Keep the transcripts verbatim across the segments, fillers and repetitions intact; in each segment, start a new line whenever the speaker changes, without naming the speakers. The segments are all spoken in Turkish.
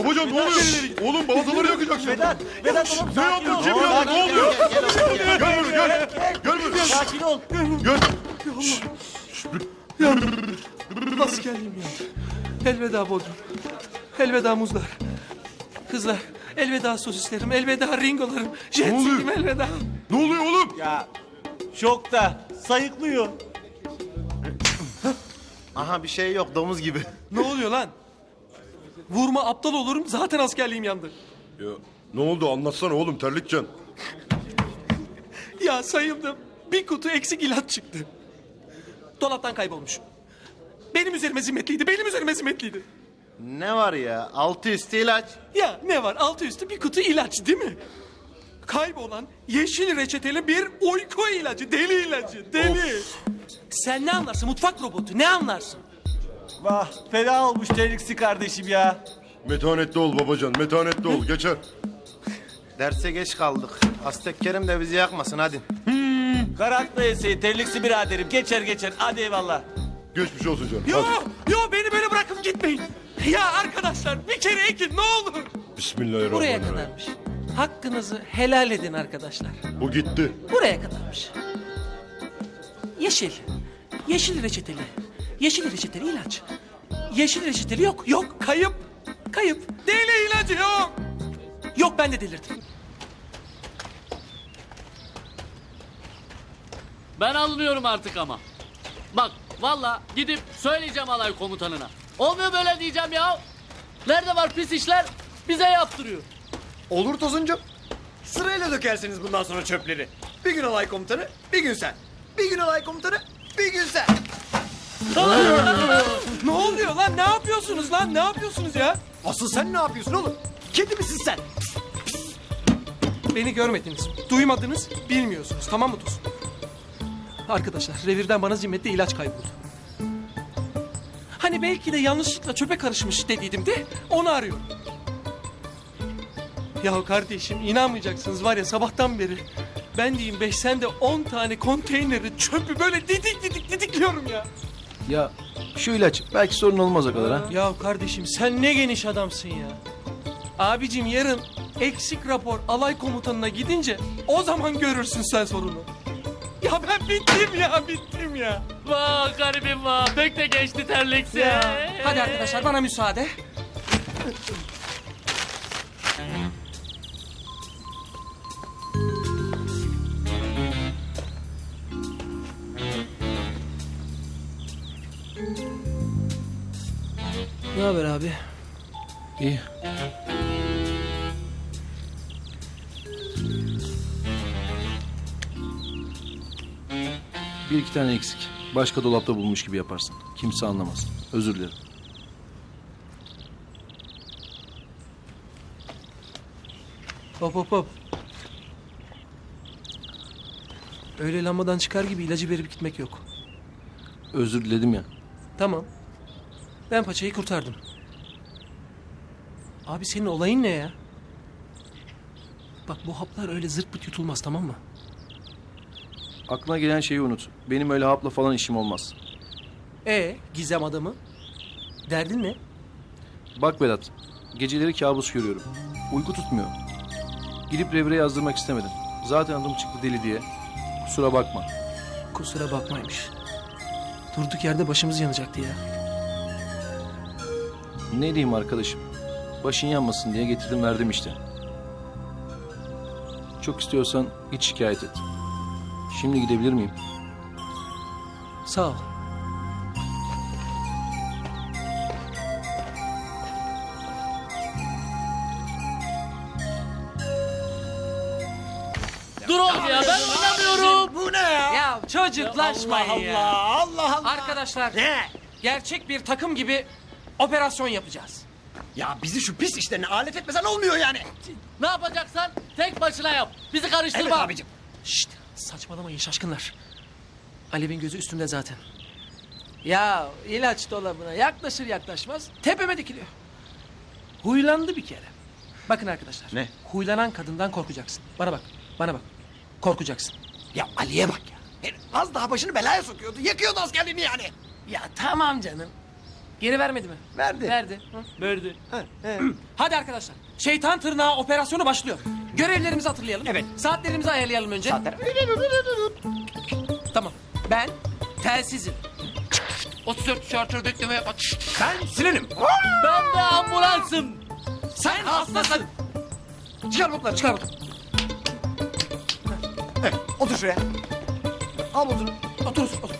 Babacan ne oluyor? Oğlum balataları yakacaksın.
Vedat, Vedat oğlum
Ne
sakin ol.
yapıyorsun? Kim ya? Ne oluyor? Gel buraya gel. Gel buraya.
Sakin ol.
Gel.
Askerliğim yandı. Elveda Bodrum. Elveda muzlar. Kızlar. Elveda sosislerim. Elveda ringolarım. Jet
oluyor?
ski'm elveda.
Ne oluyor oğlum?
Ya şokta sayıklıyor.
Aha bir şey yok domuz gibi.
Ne oluyor lan? Vurma aptal olurum. Zaten askerliğim yandı.
Ya ne oldu anlatsana oğlum terlikcan.
Ya sayıldım. Bir kutu eksik ilaç çıktı. Dolaptan kaybolmuş. Benim üzerime zimmetliydi. Benim üzerime zimmetliydi.
Ne var ya altı üstü ilaç.
Ya ne var? Altı üstü bir kutu ilaç değil mi? Kaybolan yeşil reçeteli bir uyku ilacı. Deli ilacı. Deli. Sen ne anlarsın? Mutfak robotu. Ne anlarsın?
Vah fena olmuş terliksi kardeşim ya.
Metanetli ol babacan metanetli ol geçer.
Derse geç kaldık. Aztek Kerim de bizi yakmasın hadi.
Karakla yeseyi terliksi biraderim geçer geçer hadi eyvallah.
Geçmiş olsun canım.
Yo,
Hadi.
yo beni böyle bırakıp gitmeyin. Ya arkadaşlar bir kere ekin ne olur. Buraya
Bismillahirrahmanirrahim.
kadarmış. Hakkınızı helal edin arkadaşlar.
Bu gitti.
Buraya kadarmış. Yeşil. Yeşil reçeteli. Yeşil reçeteli ilaç. Yeşil reçeteli yok. Yok. Kayıp. Kayıp. Deli ilacı yok. Yok ben de delirdim.
Ben alınıyorum artık ama. Bak valla gidip söyleyeceğim alay komutanına. Olmuyor böyle diyeceğim ya. Nerede var pis işler bize yaptırıyor.
Olur Tosuncuğum. Sırayla dökersiniz bundan sonra çöpleri. Bir gün alay komutanı, bir gün sen. Bir gün alay komutanı, bir gün sen.
Ne oluyor lan? Ne yapıyorsunuz lan? Ne yapıyorsunuz ya?
Asıl sen ne yapıyorsun oğlum? Kedi misin sen?
Beni görmediniz, duymadınız, bilmiyorsunuz. Tamam mı Tosun? Arkadaşlar, revirden bana zimmetli ilaç kayboldu. Hani belki de yanlışlıkla çöpe karışmış dediydim de onu arıyorum. Ya kardeşim inanmayacaksınız var ya sabahtan beri ben diyeyim beş sen de on tane konteyneri çöpü böyle didik didik didikliyorum ya.
Ya şu ilaç belki sorun olmaz o kadar ha.
Ya kardeşim sen ne geniş adamsın ya. Abicim yarın eksik rapor alay komutanına gidince o zaman görürsün sen sorunu. Ya ben bittim ya bittim ya.
Vah garibim vah pek de geçti terliksi.
Ya. Hadi arkadaşlar bana müsaade. Ne haber abi?
İyi. Bir iki tane eksik. Başka dolapta bulmuş gibi yaparsın. Kimse anlamaz. Özür dilerim.
Hop hop hop. Öyle lambadan çıkar gibi ilacı verip gitmek yok.
Özür diledim ya.
Tamam. Ben paçayı kurtardım. Abi senin olayın ne ya? Bak bu haplar öyle zırt pırt yutulmaz tamam mı?
Aklına gelen şeyi unut. Benim öyle hapla falan işim olmaz.
E gizem adamı? Derdin ne?
Bak Vedat, geceleri kabus görüyorum. Uyku tutmuyor. Gidip revire yazdırmak istemedim. Zaten adım çıktı deli diye. Kusura bakma.
Kusura bakmaymış. Durduk yerde başımız yanacaktı ya.
Ne diyeyim arkadaşım? Başın yanmasın diye getirdim verdim işte. Çok istiyorsan hiç şikayet et. Şimdi gidebilir miyim?
Sağ ol.
Dur oğlum ya ben oynamıyorum.
Bu ne ya?
Ya çocuklaşmayın
Allah
ya.
Allah, Allah Allah.
Arkadaşlar
Ne?
gerçek bir takım gibi operasyon yapacağız.
Ya bizi şu pis işlerine alet etmesen olmuyor yani.
Ne yapacaksan tek başına yap. Bizi karıştırma.
Evet abicim.
Şşt saçmalamayın şaşkınlar. Alev'in gözü üstümde zaten. Ya ilaç dolabına yaklaşır yaklaşmaz tepeme dikiliyor. Huylandı bir kere. Bakın arkadaşlar.
Ne?
Huylanan kadından korkacaksın. Bana bak, bana bak. Korkacaksın.
Ya Ali'ye bak ya. Herif az daha başını belaya sokuyordu. Yakıyordu askerliğini yani.
Ya tamam canım. Geri vermedi mi?
Verdi.
Verdi. Hı.
Verdi.
Hadi arkadaşlar. Şeytan tırnağı operasyonu başlıyor. Görevlerimizi hatırlayalım.
Evet.
Saatlerimizi ayarlayalım önce.
Saatler.
Tamam. Ben telsizim. otuz dört şartör bekleme yapma.
Ben Sinan'ım.
Ben de ambulansım.
Sen hastasın.
Çıkar botları.
Çıkar bakalım.
Evet, otur şuraya. Al botunu.
Otur otur.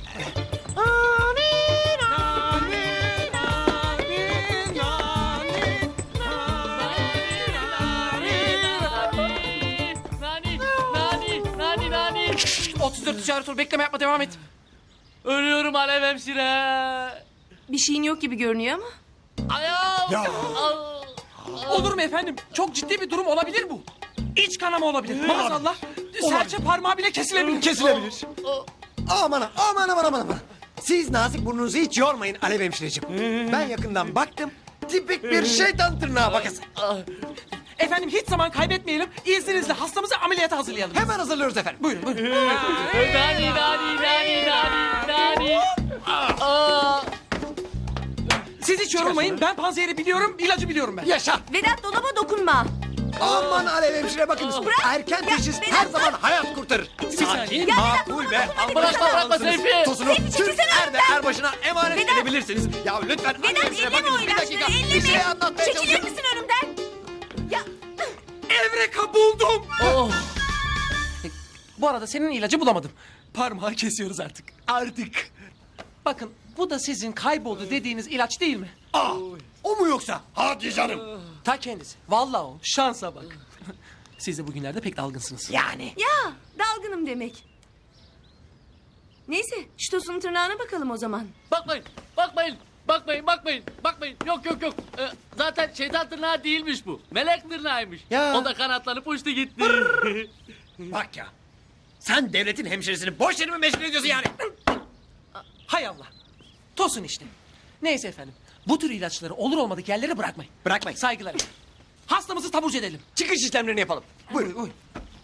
Nani, nani, nani, nani.
otuz dört şartör bekleme yapma devam et.
Ölüyorum Alev hemşire.
Bir şeyin yok gibi görünüyor ama.
Ayağım.
Ya.
Al.
Olur mu efendim? Çok ciddi bir durum olabilir bu. İç kanama olabilir. Maazallah. Serçe parmağı bile kesilebilir.
Kesilebilir. Aman aman aman aman aman. Siz nazik burnunuzu hiç yormayın Alev hemşireciğim. Ben yakından baktım. Tipik bir şeytan tırnağı bakası.
Efendim hiç zaman kaybetmeyelim. İzninizle hastamızı ameliyata hazırlayalım.
Hemen hazırlıyoruz efendim.
Buyurun buyurun.
Nani, nani, nani, nani, nani. Aa.
Siz hiç yorulmayın. Ben panzehri biliyorum, ilacı biliyorum ben.
Yaşa.
Vedat dolaba dokunma.
Aman Alev hemşire bakınız. Erken teşhis
Vedat,
her zaman hayat kurtarır.
saniye.
Sakin, makul ve
Bırakma, bırakma Seyfi.
Tosunu
Seyfi,
Türk
çekilsene
er ve
önümden.
erbaşına emanet
Vedat.
edebilirsiniz. Ya lütfen Alev
Vedat
hemşire
elleme o
bakınız bir
ilaçları
dakika.
elleme.
Bir şey anlatmaya
Çekilir
çalışıyorum.
misin önümden? Ya
Evreka buldum.
Oh.
Bu arada senin ilacı bulamadım. Parmağı kesiyoruz artık. Artık. Bakın bu da sizin kayboldu dediğiniz ilaç değil mi?
Aa, o mu yoksa? Hadi canım.
Ta kendisi. Vallahi o. Şansa bak. Siz de bugünlerde pek dalgınsınız.
Yani.
ya dalgınım demek. Neyse şu tosunun tırnağına bakalım o zaman.
Bakmayın, bakmayın, bakmayın, bakmayın, bakmayın. Yok yok yok. Ee, zaten şeytan tırnağı değilmiş bu. Melek tırnağıymış.
Ya.
O da kanatlanıp uçtu gitti.
Bak ya. Sen devletin hemşiresini boş yere mi meşgul ediyorsun yani?
Hay Allah. Tosun işte. Neyse efendim. Bu tür ilaçları olur olmadık yerlere bırakmayın.
Bırakmayın.
Saygılar. Hastamızı taburcu edelim.
Çıkış işlemlerini yapalım. Buyurun buyurun.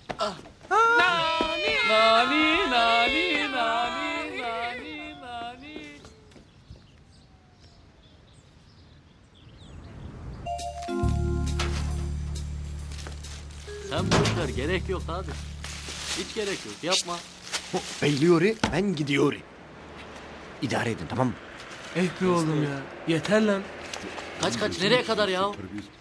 Nani.
Nani, nani, nani, nani, nani. Sen boş ver, gerek yok abi. Hiç gerek yok, yapma.
Beyliyor, ben gidiyor. İdare edin tamam mı?
Eh be oğlum ya. Yeter lan.
Kaç kaç, nereye kadar ya?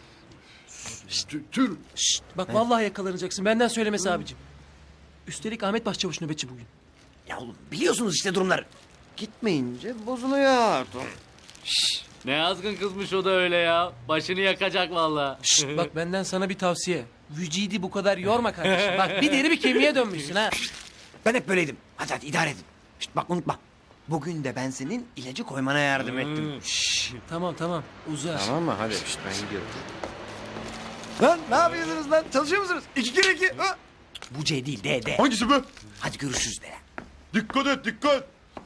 Tür.
Şşt, bak vallahi yakalanacaksın. Benden söylemesi abicim. Üstelik Ahmet Başçavuş nöbetçi bugün.
Ya oğlum biliyorsunuz işte durumları. Gitmeyince bozuluyor.
Ne azgın kızmış o da öyle ya. Başını yakacak vallahi.
Şşt, bak benden sana bir tavsiye. Vücidi bu kadar yorma kardeşim. Bak bir deri bir kemiğe dönmüşsün ha.
Ben hep böyleydim. Hadi hadi idare edin. Şişt, bak unutma. Bugün de ben senin ilacı koymana yardım ettim. Şşş.
Tamam tamam uza.
Tamam mı? Hadi işte ben gidiyorum.
Lan ne yapıyorsunuz lan? Çalışıyor musunuz? İki kere iki. Ha? Bu C değil D D.
Hangisi be?
Hadi görüşürüz de.
Dikkat et dikkat.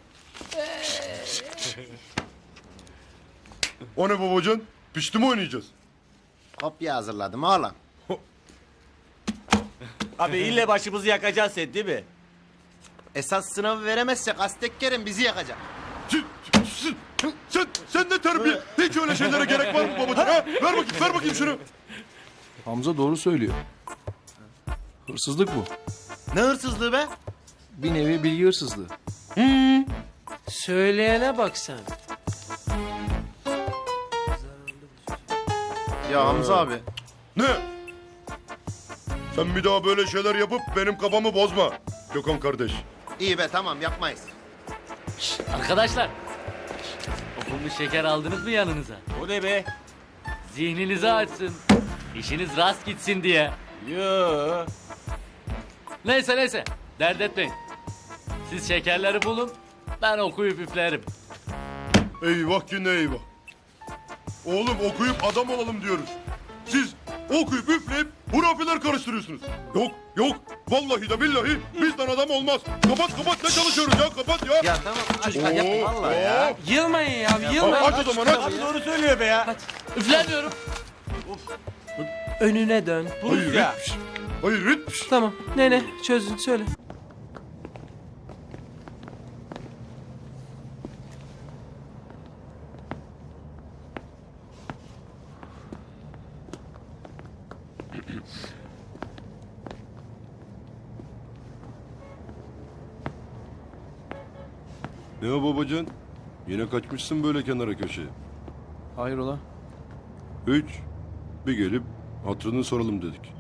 O ne babacan? Pişti mi oynayacağız?
Kopya hazırladım oğlum.
Abi ille başımızı yakacaksın sen değil mi?
Esas sınavı veremezsek Aztek Kerim bizi yakacak.
Sen, sen, sen, sen de terbiye. Hiç öyle şeylere gerek var mı babacan? Ha? Ver bakayım, ver bakayım şunu.
Hamza doğru söylüyor. Hırsızlık bu.
Ne hırsızlığı be?
Bir nevi bilgi hırsızlığı.
Söyleyene bak sen.
Ya Hamza abi.
Ne? Sen bir daha böyle şeyler yapıp benim kafamı bozma. Gökhan kardeş.
İyi be tamam yapmayız.
Arkadaşlar. Okunmuş şeker aldınız mı yanınıza?
O ne be?
Zihninizi açsın. İşiniz rast gitsin diye.
Yoo.
Neyse neyse. Dert etmeyin. Siz şekerleri bulun. Ben okuyup üflerim.
Eyvah ki ne eyvah. Oğlum okuyup adam olalım diyoruz. Siz okuyup üfleyip hurafeler karıştırıyorsunuz. Yok yok vallahi de billahi bizden adam olmaz. Kapat kapat ne çalışıyoruz ya kapat ya.
Ya tamam çocuklar yapmayın
Oo,
vallahi ya.
oo.
Yılmayın ya
Aç
yılmayın.
o zaman aç.
Abi doğru söylüyor be ya.
Üflemiyorum.
Önüne dön.
Hayır
ya.
hiç. Hayır hiç.
Tamam nene çözün söyle.
Ne o babacan? Yine kaçmışsın böyle kenara köşeye.
Hayrola?
Hiç. Bir gelip hatırını soralım dedik.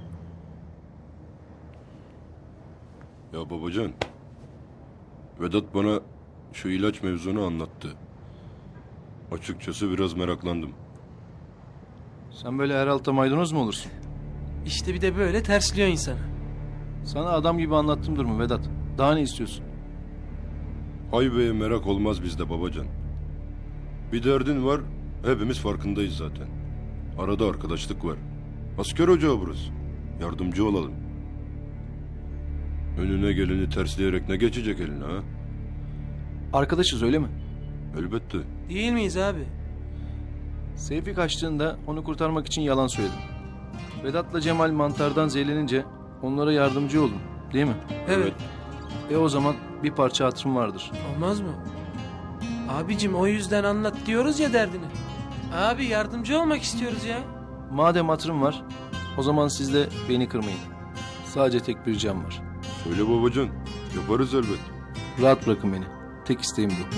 Ya babacan. Vedat bana şu ilaç mevzunu anlattı. Açıkçası biraz meraklandım.
Sen böyle her alta maydanoz mu olursun?
İşte bir de böyle tersliyor insanı.
Sana adam gibi anlattım durumu Vedat. Daha ne istiyorsun?
Haybe'ye merak olmaz bizde babacan. Bir derdin var, hepimiz farkındayız zaten. Arada arkadaşlık var. Asker ocağı burası. Yardımcı olalım. Önüne geleni tersleyerek ne geçecek eline ha?
Arkadaşız öyle mi?
Elbette.
Değil miyiz abi?
Seyfi kaçtığında onu kurtarmak için yalan söyledim. Vedat'la Cemal mantardan zehirlenince onlara yardımcı oldum. Değil mi?
Evet.
E o zaman bir parça hatırım vardır.
Olmaz mı? Abicim o yüzden anlat diyoruz ya derdini. Abi yardımcı olmak istiyoruz ya.
Madem hatırım var, o zaman siz de beni kırmayın. Sadece tek bir ricam var.
Söyle babacan. Yaparız elbet.
Rahat bırakın beni. Tek isteğim bu.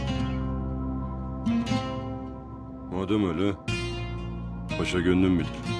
Madem öyle, paşa gönlüm bilir.